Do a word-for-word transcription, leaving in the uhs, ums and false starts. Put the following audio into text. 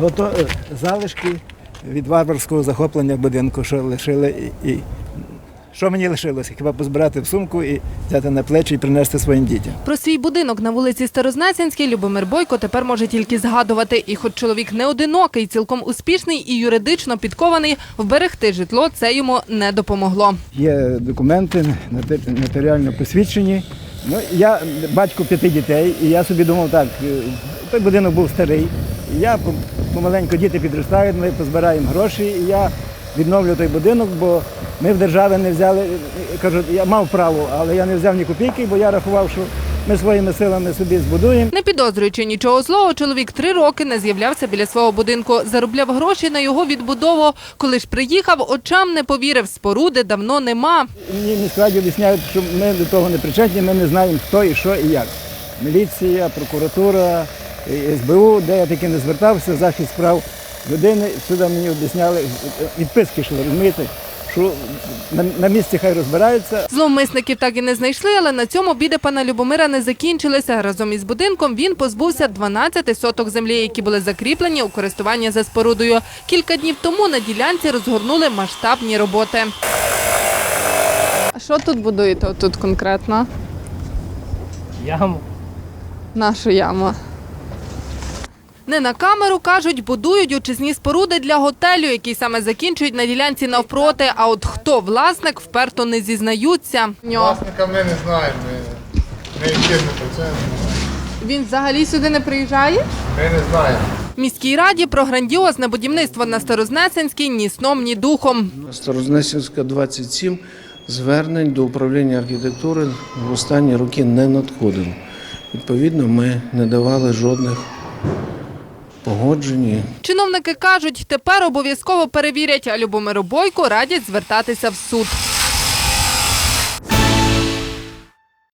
Ото е, залишки від варварського захоплення будинку, що лишили. І, і що мені лишилося? Хіба позбирати в сумку і взяти на плечі і принести своїм дітям. Про свій будинок на вулиці Старознесенській Любомир Бойко тепер може тільки згадувати. І хоч чоловік не одинокий, цілком успішний і юридично підкований, вберегти житло це йому не допомогло. Є документи нотаріально посвідчені. Ну, я батько п'яти дітей, і я собі думав так, той будинок був старий. І я помаленьку діти підростають, ми позбираємо гроші, і я відновлю той будинок, бо ми в державі не взяли, кажу, я мав право, але я не взяв ні копійки, бо я рахував, що ми своїми силами собі збудуємо. Не підозрюючи нічого злого, чоловік три роки не з'являвся біля свого будинку. Заробляв гроші на його відбудову. Коли ж приїхав, очам не повірив, споруди давно нема. Мені міськраді об'ясняють, що ми до того не причетні, ми не знаємо, хто і що і як. Міліція, прокуратура, ес бе у, де я таки не звертався, захист прав людини, сюди мені об'ясняли, відписки йшли, розумієте, що на, на місці хай розбираються. Зловмисників так і не знайшли, але на цьому біди пана Любомира не закінчилися. Разом із будинком він позбувся дванадцяти соток землі, які були закріплені у користування за спорудою. Кілька днів тому на ділянці розгорнули масштабні роботи. А що тут будуєте тут конкретно? Яму. Нашу яму. Не на камеру, кажуть, будують очисні споруди для готелю, який саме закінчують на ділянці навпроти. А от хто власник, вперто не зізнаються. Власника ми не знаємо, ми, ми яким не працюємо. Він взагалі сюди не приїжджає? Ми не знаємо. Міській раді про грандіозне будівництво на Старознесенській ні сном, ні духом. Старознесенська, двадцять сім, звернень до управління архітектури в останні роки не надходило. Відповідно, ми не давали жодних погоджень. Чиновники кажуть, тепер обов'язково перевірять, а Любомиру Бойку радять звертатися в суд.